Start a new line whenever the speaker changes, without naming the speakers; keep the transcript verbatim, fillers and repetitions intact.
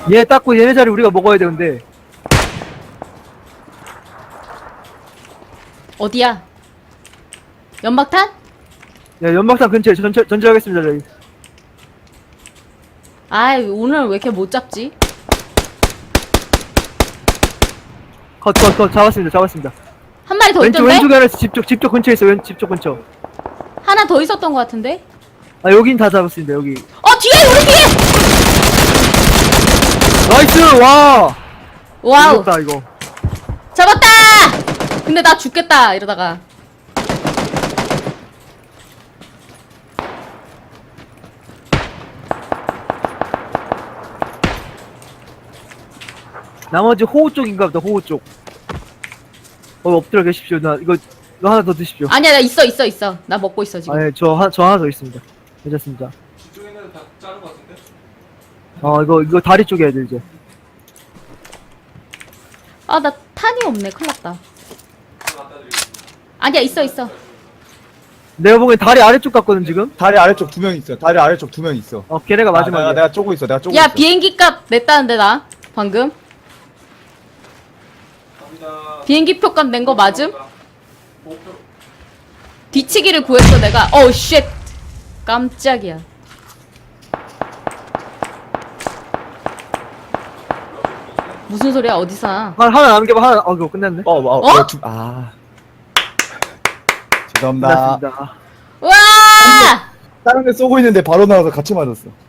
얘 닦고 얘네 자리 우리가 먹어야 돼. 근데
어디야? 연막탄?
야 연막상 근처에 전체 전체하겠습니다 저희.
아이 오늘 왜 이렇게 못 잡지?
컷 컷 컷 잡았습니다 잡았습니다.
한 마리 더
왼쪽
있던데?
왼쪽에 하나 집쪽 집쪽 근처에 있어. 왼 집쪽 근처.
하나 더 있었던 것 같은데?
아 여긴 다 잡았습니다 여기.
어 뒤에 우리 뒤에!
나이스 와.
와우
무섭다 이거.
잡았다! 근데 나 죽겠다 이러다가.
나머지 호우 쪽인가 보다. 호우 쪽. 어 엎드려 계십시오. 나 이거 이거 하나 더 드십시오.
아니야 나 있어 있어 있어 나 먹고 있어 지금.
아예 저 한 저 하나 더 있습니다. 괜찮습니다.
뒤쪽에 있는 다 자른 것 같은데?
어 이거 이거 다리 쪽에 애들 이제.
아 나 탄이 없네 큰일났다.
하나 갖다 드리겠습니다.
아니야 있어 있어.
내가 보기엔 다리 아래쪽 같거든 지금.
다리 아래쪽 두 명 있어. 다리 아래쪽 두 명 있어.
어 걔네가
아,
마지막이야.
내가, 내가 쪼고 있어. 내가 쪼고
야
있어.
비행기 값 냈다는데 나 방금
갑니다.
비행기 표 값 낸 거 맞음?
목표.
뒤치기를 구했어 내가. 어우 쉣 깜짝이야. 무슨 소리야 어디서?
하나 하나 남겨봐. 하나 어 이거 끝났네.
어, 어,
어?
어? 두, 아. 죄송합니다.
끝났습니다.
와!
다른 데 쏘고 있는데 바로 나와서 같이 맞았어.